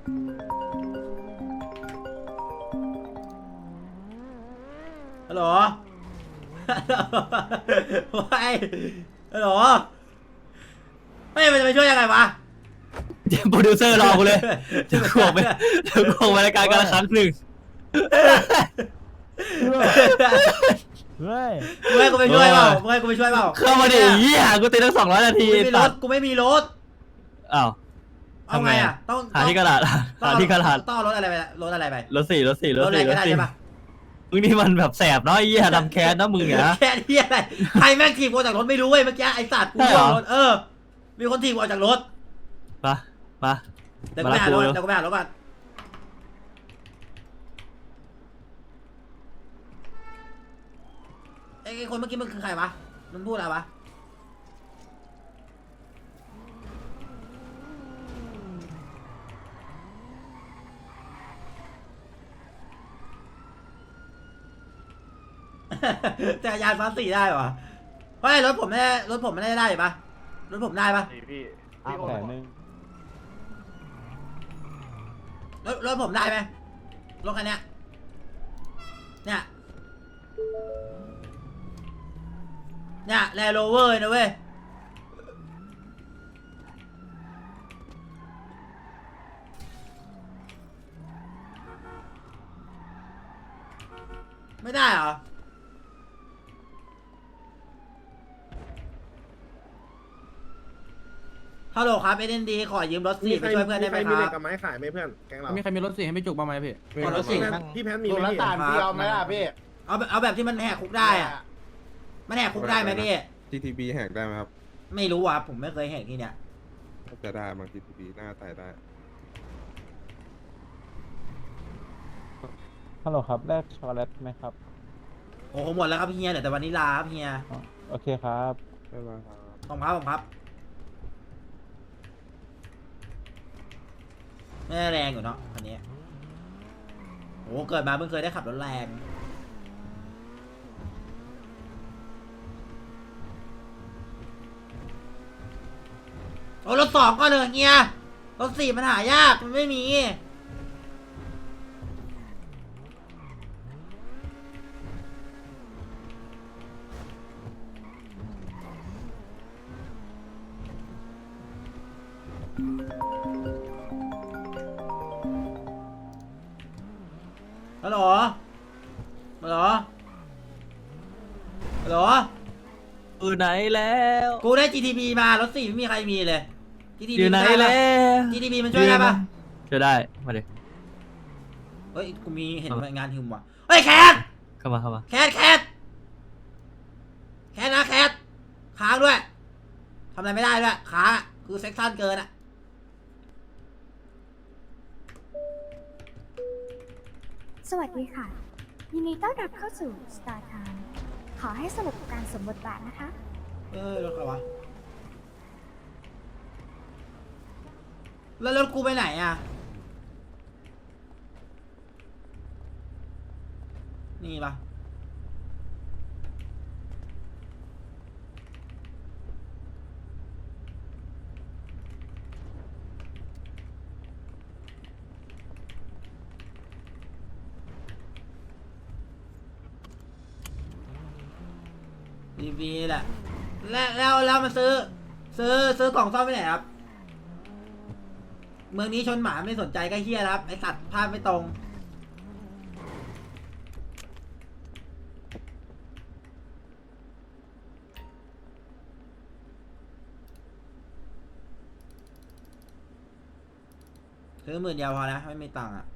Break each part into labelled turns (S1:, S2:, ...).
S1: ฮัลโหลว้ายฮัลโหลไม่มันจะไปช่วยยังไงวะ
S2: เดี๋ยวโปรดิวเซอร์รอกูเลยเดี๋ยวกูออกไปรายการกันละครั้งหนึ่ง
S3: เฮ้ย
S1: มึงให้กูไปช่วยเปล่ามึงให้กูไปช่วยเปล่า
S2: เข้ามาดิเหี้ยกูตีตั้ง200 นาที
S1: กูไม่มีรถ
S2: อ้าว
S1: เอาไงอ่ะต้อง
S2: หาที่กระดาษหาที่กระดาษ
S1: ต้องเอารถอะไรไปรถอะไรไป
S2: รถสี่
S1: รถอะไรก็ได้ใช่ปะ
S2: มึงนี่มันแบบแสบเนาะไอ้เหี้ยทำแค้นนะมึงเนี่ยนะ
S1: แค่ที่อะไรใครแม่งถีบกูจากรถไม่รู้เว้ยเมื่อกี้ไอ้สัตว์กู
S2: ใช่เหรอ
S1: รถมีคนถีบกูออกจากรถ
S2: มา
S1: เดี๋ยวกูไปหารถก่อนไอ้คนเมื่อกี้มันคือใครวะมันพูดอะไรวะ จักรยานซ้อนสี่ได้ปะเฮ้ยรถผมไม่ได้ปะรถผมได้ปะ
S4: พี่
S3: 100,000
S1: รถผมได้ไหมรถคันเนี้ยเนี่ยแลนด์โรเวอร์นะเว้ยไม่ได้เหรอฮัลโหลครับSNDขอยืมรถสี่ไปช่วยเพื่อนได้ไหม
S4: มี
S1: ค
S4: เหล็
S1: รั
S4: ก
S1: บ
S4: กับไม้ขายไหมเพื่อนแกงเรา
S5: มีใครมีรถสี่ให้ไม่จุกบ้างไหมพี่
S1: ขอรถสี่
S4: พี่แพนมี
S3: ดู
S4: ไหม
S3: แล้ว
S4: พี่
S3: ต่างพี่เอาไหมล่ะพี่
S1: เอาแบบที่มันแหกคุกได้อะมันแหกคุกได้ไหมพี่
S6: GTB แหกได้ไหมครับ
S1: ไม่รู้ว่ะผมไม่เคยแหกที่เนี้ย
S6: น่าจะได้บาง GTB หน้าไต่ได้
S3: ฮัลโหลครับแลกช็อกโกแลตไหมครับ
S1: โอ้โหหมดแล้วครับเฮียเหลือแต่วานิลลาครับเฮีย
S3: อ๋อโอเคครับ
S6: ได้ไหมครับ
S1: ผมครับไม่ได้แรงอยู่เนาะคันนี้โอ้เกิดมาเพิ่งเคยได้ขับรถแรงโอ้รถสองก็เลยเฮียรถสี่มันหายากมันไม่มีฮัลโหล
S2: อยู่ไหนแล้ว
S1: กูได้ GTP มารถสี่ไม่มีใครมีเลย GTP
S2: อยู่ไหนแล้ว
S1: GTP มันช่วยได้ปะ
S2: ช่วยได้มาดิ
S1: เฮ้ยกูมีเห็นงานฮึมว่ะเฮ้ยแคท
S2: เข้ามา
S1: แคทนะแคทค้างด้วยทำอะไรไม่ได้ด้วยค้างอะคือเซ็กชันเกินอะ
S7: สวัสดีค่ะ ยินดีต้อนรับเข้าสู่ Star Time ขอให้สนุกกับการสวมบทบาทนะคะ
S1: รถใครวะแล้วรถกูไปไหนอะนี่ปะดีแหละแล้วมันซื้อกล่องซ่อมไปไหนครับเมืองนี้ชนหมาไม่สนใจก็เฮี้ยครับไอสัตว์ภาพไม่ตรงซื้อ10,000 เดียวพอนะไม่มีตังค์อ่ะ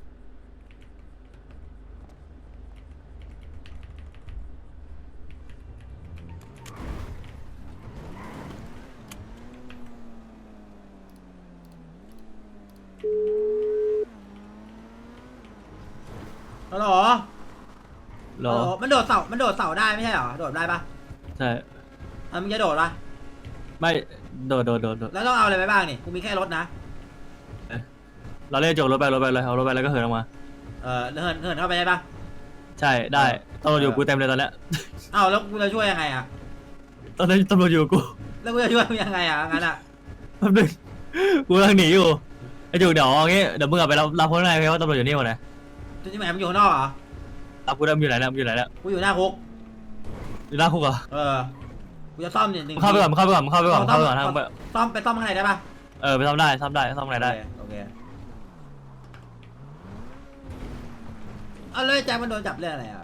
S1: ฮัลโหล
S2: รอ
S1: มันโดดเสาได้ไม่ใช่เหรอโดดได้ปะ
S2: ใช่
S1: มึงจะโดดปะ
S2: ไม่โดด
S1: แล้วต้องเอาอะไรไปบ้างนี่กูมีแค่รถนะ
S2: เราเล่นจกรถไปเลยเอารถไปแล้วก็เหินออกมา
S1: เหินเข้าไปได้ปะ
S2: ใช่ได้ตำรวจอยู่กูเต็มเลยตอนเนี้ย
S1: อ้าวแล้วกูจะช่วยยังไงอ่ะ
S2: ตอนนี้ตำรวจอยู่กู
S1: แล้วกูจะช่วยมึงยังไงอ่ะงั้นอ่ะ
S2: แป๊บนึงกูกำลังหนีอยู่ไอ้จุกเดี๋ยวเอางี้เดี๋ยวมึงกลับไปรับคนข้างในเพราะว่าตำรวจอยู่นี่หมดเลย
S1: จุดที่ไหนมันอยู่ข้างนอกเหรอ
S2: รับกูได้มึงอยู่ไหนแล้วมึงอยู่ไหนแล้ว
S1: กูอยู่หน้าคุก
S2: อยู่หน้าคุกเหรอ
S1: กูจะซ่อมเนี่ยหนึ่ง
S2: มึงเข้าไปก่อนมึงเข้าไปก่อนมึงเข้าไปก่อนมึงเข้าไปก่อนทางไป
S1: ซ่อมไปซ่อมข้างในได้ปะ
S2: ไปซ่อมได้ซ่อมข้างในได้
S1: โอเคเอาเลยแจ็คมันโดนจับเรื่องอะไรอ่ะ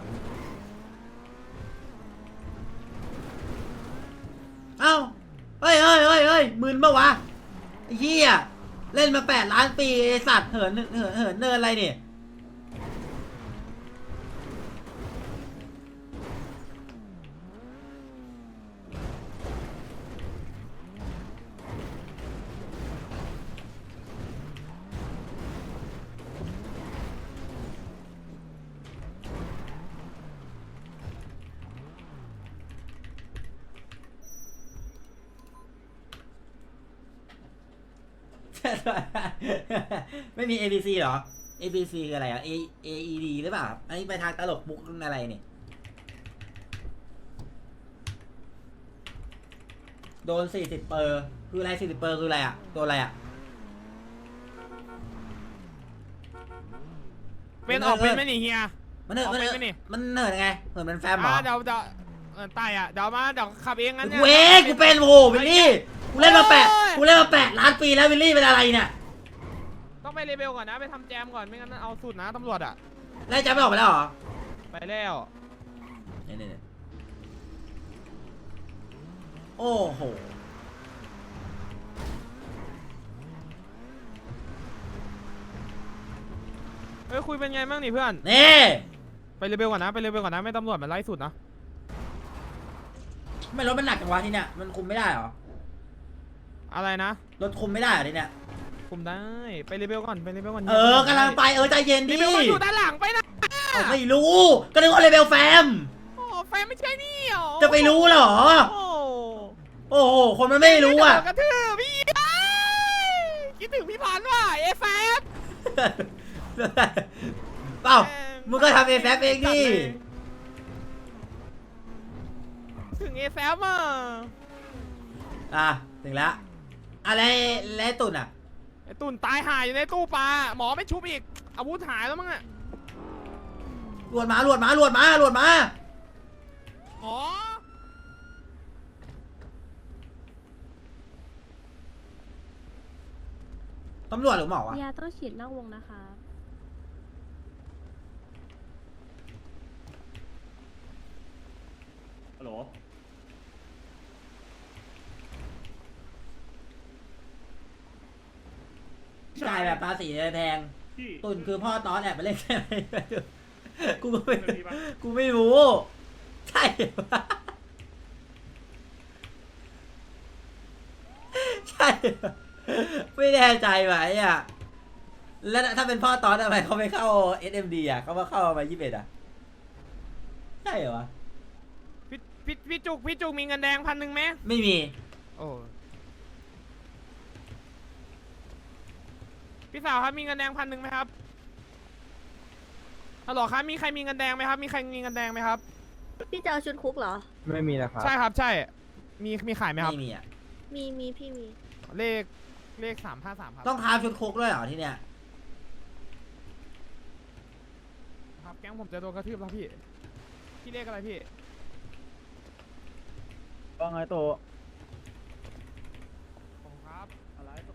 S1: เอ้าเฮ้ยมึนปะวะไอ้เหี้ยเล่นมา8 ล้านปีไอ้สัตว์เหินเนินอะไรเนี่ย ไม่มี ABC เหรอ ABC คืออะไรอ่ะ AED หรือเปล่าอันนี้ไปทางตลกมุกอะไรเนี่ย โดน40 เปอร์คืออะไร40 เปอร์คืออะไรอ่ะโดนอะไรอ่ะ
S4: เป็นออกเป็นไหมนี่เฮีย
S1: มันเหิน
S4: เอาไปไหมนี่
S1: มันเหินไงเหินเป็นแฟมเหรอ
S4: เดี๋ยวตายอ่ะเดี๋ยวมาเดี๋ยวขับเองงั้นเนี่ย
S1: กูเองกูเป็นโอ้โหวิลลี่กูเล่นมา8 ล้านปีแล้ววิลลี่เป็นอะไรเนี่ย
S4: ต้องไปเลเวลก่อนนะไปทำแจมก่อนไม่งั้นเอาสุดนะตำรวจอ่ะ
S1: ไล่แจ็คไม่ออกไปแล้วเหรอ
S4: ไปแล้ว
S1: เนี่ยโอ้โห
S4: เฮ้ยคุยเป็นไงบ้างนี่เพื่อน
S1: นี่
S4: ไปเลเวลก่อนนะไปเลเวลก่อนนะไม่ตำรวจมันไล่สุดนะ
S1: ไม่รถมันหนักจังวะที่เนี่ยมันคุมไม่ได้เหรอ
S4: อะไรนะ
S1: รถคุมไม่ได้เหรอที่เนี่ย
S4: คุมได้ไปเลเวลก่อนไปเลเวลก่อน
S1: กำลังไปใจเย็น
S4: เล
S1: ดิ
S4: เวลมันอยู่ด้านหลังไปนะ
S1: ไม่รู้ก็นึกว่าเลเวลแฟม
S4: โอ้แฟนไม่ใช่นี่หรอ
S1: จะไปรู้เหรอ
S4: โอ้
S1: โอ้โหคนมันไม่รู้อ่ะ
S4: กระทืบพี่คิดถึงพี่พันธุ์ว่ะเอฟแฟ
S1: เปล่ามึงก็ทำเอฟเองดิ
S4: ถึงเอแฟมอ่ะ
S1: ถึงแล้วอะไรแล้วตุ่นอ่ะ
S4: ไอตุ่นตายหายอยู่ในตู้ปลาหมอไม่ชุบอีกอาวุธหายแล้วมั้งอ่ะ
S1: หลวดมา
S4: หมอ
S1: ตำรวจหรือหมอวะ
S5: ยาต้องฉีดนอกวงนะคะ
S2: ฮัลโหล
S1: จ่ายแบบภาษีแพงตุ่นคือพ่อตอนแอบไปเล่นใช่ไหมกูไม่รู้ใช่ปะใช่ปะไม่แน่ใจไหมอ่ะแล้วถ้าเป็นพ่อตอนทำไมเขาไม่เข้า SMD อ่ะเขามาเข้ามา21อ่ะใช่เหรอวะ
S4: พี่จุกมีเงินแดง1,000ไหม
S1: ไม่มี
S4: โอ้พี่สาวครับมีเงินแดง1,000ไหมครับฮัลโหลครับมีใครมีเงินแดงไหมครับมีใครมีเงินแดงไหมครับ
S5: พี่จะเอาชุดคุกเหรอ
S3: ไม่มีนะครับ
S4: ใช่ครับใช่มีขายไหมครับ
S1: ไม่มีอ่ะ
S5: มีพี่มี
S4: เลข353ครับ
S1: ต้องคาบชุดคุกด้วยเหรอที่เนี้ย
S4: ครับแก๊งผมจะโดนกระทืบแล้วพี่เลขอะไรพี่
S3: ว่าไงโต
S4: ผมครับอะไรตัว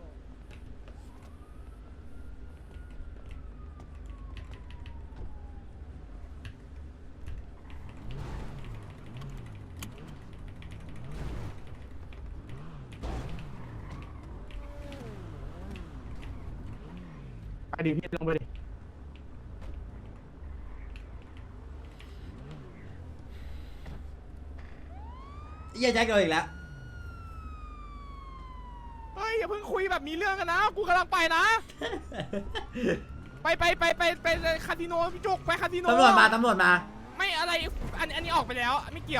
S3: ไปดิพี่ลงไปดิ
S1: เหี้ยแจ็คโดนอีกแล้ว
S4: เฮ้ยอย่าเพิ่งคุยแบบมีเรื่องกันนะกูกำลังไปนะ ไปคาสิโนพี่จุกไปคาสิโน
S1: ตำรวจมา
S4: ไม่อะไรอันนี้ออกไปแล้วไม่เกี่ยว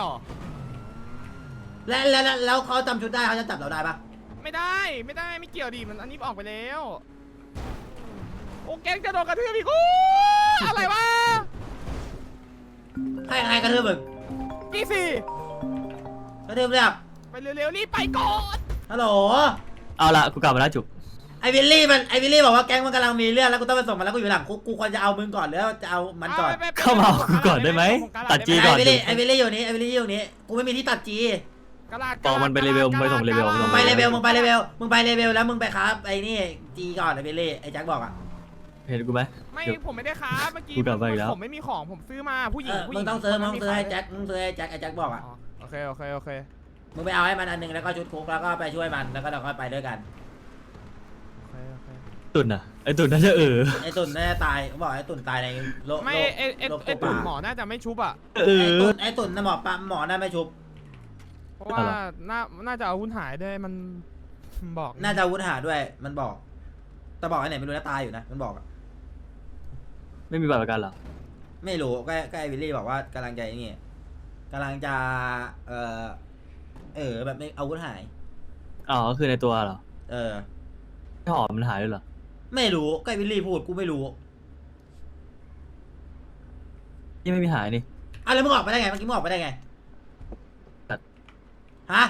S1: แล้วเขาจำชุดได้เขาจะจับเราได้ปะ
S4: ไม่ได้ไม่เกี่ยวดิมันอันนี้ออกไปแล้ว โอ้แก๊งจะโดนกระทืบอีกโอ้อะไรวะ
S1: ใครกระทืบมึง
S4: กี่สี่
S1: กระทืบเรียบ
S4: ไปเร็วๆรีบไปก่อน
S1: ฮัลโหล
S2: เอาละกูกลับมาแล้วจุก
S1: ไอวิลลี่บอกว่าแก๊งมันกำลังมีเรื่องแล้วกูต้องไปส่งมันแล้วกูอยู่หลังคุกกูควรจะเอามึงก่อนหรือจะเอามันก่อน
S2: เข้ามาเอากูก่อนได้ไหมตัดจีก่อน
S1: ไอวิลลี่อยู่นี่กูไม่มีที่ตัดจี
S4: กระดาษ
S2: บอกมันไปเลเวลมึงไปส่งเลเวล
S1: มึงไปเลเวลแล้วมึงไปครับไอ้นี่จีก่อนไอวิลลี่ไอแจ็คบอกอ่ะ
S2: เห็นกูไหม
S4: ไม่ผมไม่ได้ค้าเมื่อกี้
S2: กูกลับไปอีกแล้ว
S4: ผมไม่มีของผมซื้อมาผู้หญิงผู้ห
S1: มึ
S4: ญิ
S1: ง
S4: ง
S1: ต้องซื้อ
S4: คนนั้น
S1: ให้
S4: มี
S1: แจ็คมึงซื้อให้แจ็คไอแจ็คบอกอ่ะ
S4: อ๋อโอเค
S1: มึงไปเอาให้มันอันหนึงแล้วก็ชุดคุกแล้วก็ไปช่วยมันแล้วก็เราก็ไปด้วยกัน
S2: ตุ่นอ่ะไอ้ตุ่นน่าจะ
S1: ไอตุ่นน่าจะตายเขาบอกไอตุ่นตายในโลก
S4: ไม่ไอตุ่นหมอน่าจะไม่ชุบอ่ะ
S1: ไอตุ่นนะหมอปั๊มหมอน่าไม่ชุบ
S4: เพราะว่าน่าจะเอาหุ้นหายด้วยมันบอก
S1: น่าจะอาวุธหาด้วยมันบอกแต่บอกไอไหนไม่รู้นะตายอยู่นะมันบอกอะ
S2: ไม่มีบัตรประกันเหรอ
S1: ไม่รู้ก็ไอวิลลี่บอกว่ากำลังจะไอ้นี่กำลังจะแบบไม่อาวุธหาย
S2: อ๋อก็คือในตัวเหรอ
S1: ไม่
S2: หอมมันหายด้วยเหรอ
S1: ไม่รู้ก็ไอวิลลี่พูดกูไม่รู้
S2: นี่ไม่มีหายนี่
S1: อ่ะแล้วมึงออกไปได้ไงเมื่อกี้มึงออกไปได้ไง
S2: ตัด
S1: ฮะ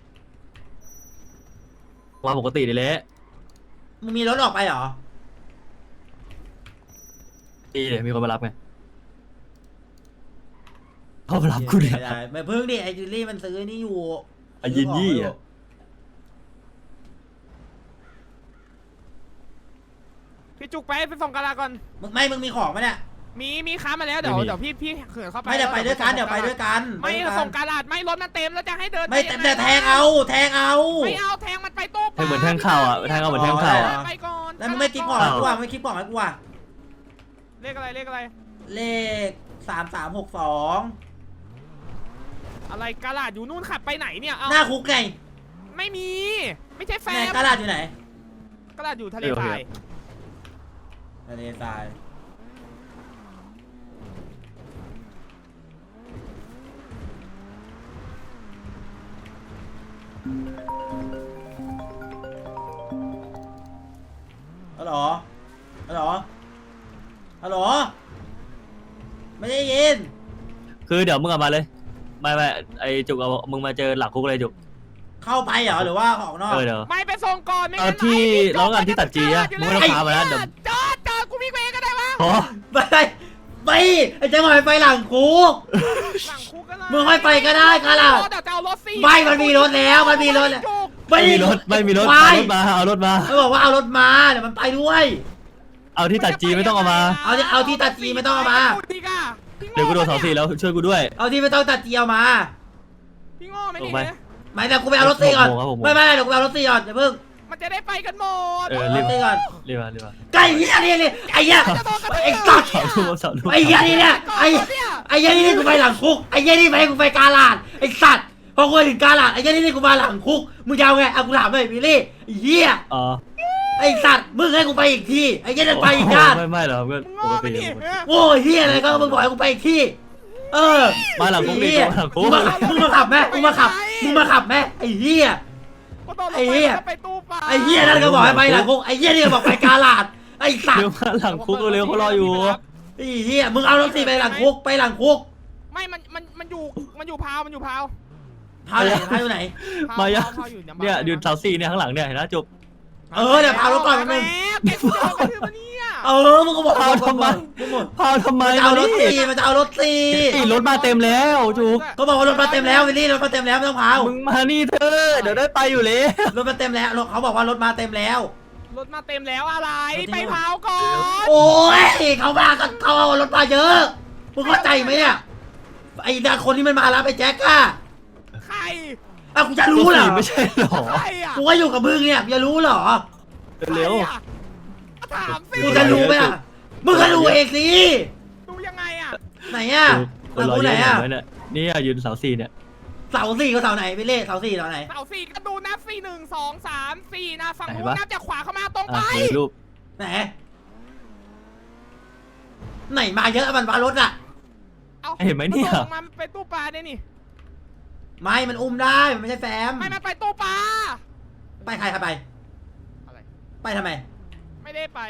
S2: ว่าปกติเลยแหละ
S1: มึงมีรถออกไปเหรอ
S2: ดีเลยมีคนมารับไงเขามารับกูเนี่ย
S1: ไม่เพิ่งดิไอวิลลี่มันซื้อนี่อยู่
S2: ไอ้ยินยี่อะ
S4: พี่จุกไปส่งกระดาษก่อน
S1: มึงมีของไหมเนี่ย
S4: มีค้ามาแล้วเดี๋ยวพี่เขื่อนเข้าไป
S1: ไม่เดี๋ยวไปด้วยกันเดี๋ยวไปด้วยกัน
S4: ไม่ส่งกระดาษไม่รถมันเต็มแล้วจะให้เดิน
S1: ไม่แต่แทงเอาไม่เอา
S4: แทงมันไปตู้
S2: แทงเหมือนแทงข่าวอ่ะแทงเอาเหมือนแทงข่าวอ่ะ
S4: ไปก่อน
S1: แล้วมึงไม่คิดก่อนให้กูอ่ะไม่คิดก่อนให้กูอ่ะ
S4: เลขอะไร
S1: เลข3362
S4: อะไรกระดาษอยู่นู่นขับไปไหนเนี่ยเอา
S1: หน้าคุกไง
S4: ไม่มีไม่ใช่แฟ
S1: ไหน
S4: น
S1: กระดาษอยู่ไหน
S4: กระดาษอยู่ทะเลทราย
S1: ทะเลทรายฮัลโหลไม่ได้ยิน
S2: คือเดี๋ยวมึงเอามาเลยไม่ไอจุกเอามึงมาเจอหลักคุกเลยจุก
S1: เข้าไปเหรอหรือว่าออกนอก
S2: เดี๋ยว
S4: ไม่ไปส่งก่อนไม่
S2: เอาที่ร้องกันที่ตัดจีอะมึงไม่ต้องพามาแล้วเดี๋ยว
S4: จอดกูวิ่งไปเองก็ได้วะ
S2: อ๋อ
S1: ไปไอ้เจ้าหน่อยไปหลังคุก
S4: หลังคุกก็ได้
S1: มึงค่อยไปก็ได้กะล่ะ
S4: เดี๋ยวจะเอารถสิ
S1: ไม่มันมีรถแล้วไม่มีรถ
S2: ไม่มีรถ
S1: ไป
S2: เอารถมา
S1: มันบอกว่าเอารถมาเดี๋ยวมันไปด้วย
S2: เอาที่ตัดจีไม่ต้องเอามา
S1: เอาที่ตัดจีไม่ต้องเอามา
S2: เดี๋ยวกูโดน2-4แล้วช่วยกูด้วย
S1: เอาที่ไม่ต้องตัดจีเอามา
S4: พี่โง่ไม่
S2: ล
S4: ดี
S2: งไป
S4: นะ
S1: ไม่แต่กูไปเอารถซีก่อน
S2: ผม
S1: ไม่เดี๋ยวกูไปเอารถซีก่อนอย่าเพิ่ง
S4: มันจะได้ไปกันหมด
S1: เอารถซีก่อน
S2: รีบมา
S1: ไก่เหี้ยนี่ไอ้เหี้ยไอ้สัตว์
S2: สาวลูก
S1: ไอ้เหี้ยนี่เนี่ยไอ้เหี้ยนี่กูไปหลังคุกไอ้เหี้ยนี่ไปกูไปกาลาดไอ้สัตว์พอกูถึงกาลาดไอ้เหี้ยนี่กูมาหลังคุกมึงจะเอาไงเอากูถามเลยวิลลี่ไอ้เหี้ย
S2: อ๋อ
S1: ไอ้สัตว์มึงให้กูไปอีกทีไอ้เหี้ยนั่นไปอีกด้าน
S2: ไม่หรอกเพื่อน
S4: มึง
S2: ป
S4: โง่
S2: ก
S4: ไป
S2: ติ
S4: ดิ
S1: โอ้ยเฮียอะไรก็มึงบอกให้กูไปอีกที่
S2: มาหลังคุกดิ
S1: เหี้ย
S2: มาหลังคุก
S1: มึงมาขับไหมมึงมาขับไหมไอ้เฮีย ไอ้เหี้ย
S4: ไปตู้ปลา
S1: ไอ้เฮียนั่นก็บอกให้ไปหลังคุกไอ้เฮียนี่ก็บอกไปกาลาดไอ้สัต
S2: เร็ว
S1: ว์
S2: มาหลังคุกเร็วเขารออยู่
S1: ไอ้เฮียมึงเอารถสีไปหลังคุก
S4: ไม่มันอยู่พาว
S1: พาไหนพาอยู่ไหน
S2: มายัง
S4: พาวอยู่
S2: เนี่ยยืนเสา4เนี่ยข้างหลังเนี่ยเห็นไหมจุก
S1: เดี๋ยวพารถก่อนแป๊บนึง
S4: แกจะเอากระทืบมาเนี่ย
S1: มึงก็บอก
S2: พาทำไม พาทำไม
S1: มันจะเอารถสีมันจะเอารถสี
S2: รถมาเต็มแล้วจุก
S1: ก็บอกว่ารถมาเต็มแล้ววิลลี่รถมาเต็มแล้วไม่ต้องพาว
S2: มึงมานี่เธอเดี๋ยวได้ไปอยู่เลย
S1: รถมาเต็มแล้วเขาบอกว่ารถมาเต็มแล้ว
S4: รถมาเต็มแล้วอะไรไปพาวก่อน
S1: โอ้ยเขามาก็เขาเอารถมาเยอะมึงเข้าใจไหมเนี่ยไอ้ดาคนที่มันมารับไอ้แจ็คอะ
S4: ใคร
S1: กูจะรู้เหรอ
S2: ไม่ใช่หรอ
S4: ใครอ่ะ
S1: กูก็อยู่กับมึงเนี่ยจะรู้เหรอ
S2: เร็ว
S4: ใครอะถามสิ
S1: กูจะรู้ไหมอ่ะมึงก็รู้เองสิ
S4: ดูยังไงอ่ะ
S1: ไหนอ่ะ
S2: คนรอ
S1: กู
S2: เย
S1: ไหน
S2: อะ
S1: อ่ะ
S2: เหมือนกันเนี่ยนี่ยืนเสา4เนี่ย
S1: เสาสี่กับเสาไหนไปเล่เสาสี่เสาไหน
S4: เสาสี่ก็ดูนับ4 1 2 3 4นะฝั่งนู้
S2: ไหน
S4: น
S2: วะ
S4: นับจากขวาเข้ามาตรงไป
S2: รูป
S1: ไหนไหนมาเยอะมันมารถอ่ะ
S4: เอา
S2: เห็นไหมเนี่ย
S4: นส่งมาไปตู้ปลาเนี่ยนี่
S1: ไม่มันอุ้มได้มันไม่ใช่แฟม
S4: ไม่มันไปตู้ปลา
S1: ไปใครครับไป
S4: อะไร
S1: ไปทำไม
S4: ไม่ได้ไป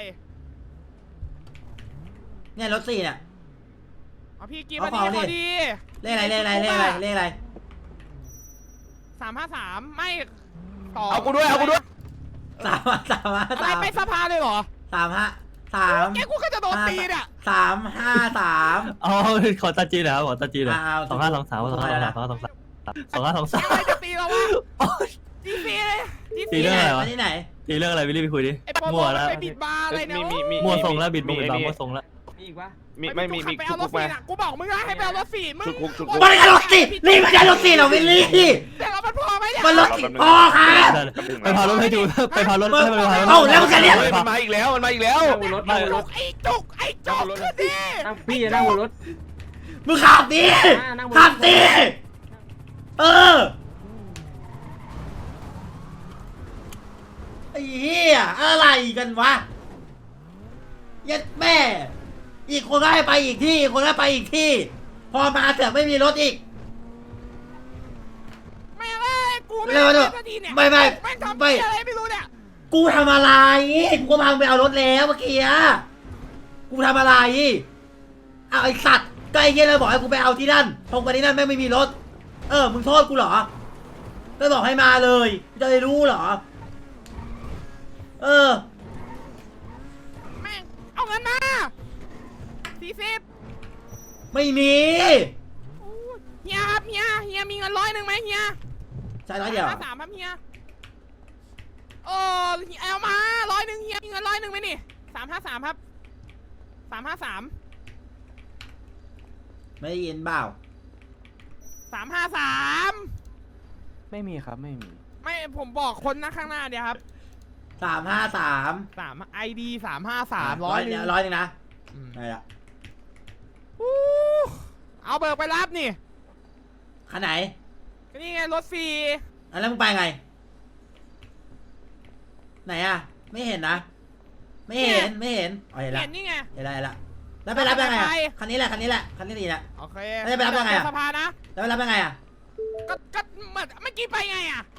S1: เนี่ยรถสี่เนี่ย
S4: เอาพี่กิน
S1: เอา
S4: มา
S1: ของดิ
S4: ดีพอดี
S1: เลขอะไร
S4: 353ไม่ต่อ
S3: เอากูด้วย
S4: อะไรไปสภาเลยเหรอ
S1: 3
S4: แกกูก็จะโดนตีเนี่ย
S1: 3
S2: อ๋อขอตาจีนเหรอขอตาจีนเหรอ
S1: เอา
S2: 2523
S4: อะไรจะตีเราวะจีซีเลยจี
S2: ตี
S4: ซี
S2: เรื่องอะไรวะ
S1: ที่ไหน
S2: ตีเรื่องอะไรวิลลี่ไปคุยดิ
S4: ไอ้ปอ
S2: มั่วแล้ว
S4: ไปบิดบาร์อะไรเนี่ย
S2: มั่วทรงแล้วบิดมั่วทรงแล้ว
S4: มีไปเอารถสี่น่ะกูบอกมึงนะให้ไปเอารถสี่มึง
S1: มันไม่ใช่รถสี่นี่ไม่ใช่รถสี่หรอวิลลี่
S4: แต่เรามันพอไหมเนี่ย
S1: มันรถสี่พอค่ะ
S2: ไปพารถให้ดูไปพารถให้ไปพารถ
S1: เอ้าแล้วมึงจะเรียก
S8: มันมาอีกแล้วมันมาอีกแล้ว
S4: ไอ้จุกไอ้จุกขึ้นดิ
S3: พี่จะนั่งบนรถ
S1: มึงขับดิขับดิเออไอ้เหี้ยอะไรกันวะยัดแม่อีกคนก็ให้ไปอีกที่อีกคนก็ไปอีกที่ พอมาเสือกไม่มีรถอีก
S4: ไม่เลยกูไม่
S1: เร็ว
S4: ได้
S1: ๆ
S4: สักทีเนี่ย
S1: ไม่
S4: แม่งทำอะไรไม่รู้เนี่ย
S1: กูทำอะไรกูก็พังไปเอารถแล้วเมื่อกี้อะกูทำอะไรเอาไอสัตว์ก็ไอ้เงี้ยเลยบอกให้กูไปเอาที่นั่นตรงไปที่นั่นแม่งไม่มีรถมึงโทษกูเหรอไม่บอกให้มาเลยจะได้รู้เหรอ
S4: แม่งเอาเงินมา40
S1: ไม่มี
S4: เฮียครับเฮียมีเงิน100ไหมเฮีย
S1: ใช่ร้อยเดียว
S4: 3ครับเฮียโอ้เอามา100เฮียมีเงิน100ไหมนี่353ครับ353
S1: ไม่ได้ยินเปล่า
S4: 353
S3: ไม่มีครับไม่มี
S4: ไม่ผมบอกคนนะข้างหน้าเดี๋ยวครับ
S1: 353
S4: 3 ID 353 100
S1: 100นึงนะได้ละ
S4: เอาเบิกไปรับนี่
S1: คันไหน
S4: ก็นี่ไงรถฟรี
S1: แล้วมึงไปไงไหนอะไม่เห็นนะไม่เห็นอ๋อเห็นละ
S4: เห็นนี่ไง
S1: เห็นละแล้วไปรับยังไงอะคันนี้แหละคันนี้ดีนะ
S4: โอเค
S1: แล้วจะไปรับยังไงอะ
S4: สภานะ
S1: แล้วไปรับยังไงอะ
S4: ก็เหมือนเมื่อกี้ไปไงอ่ะ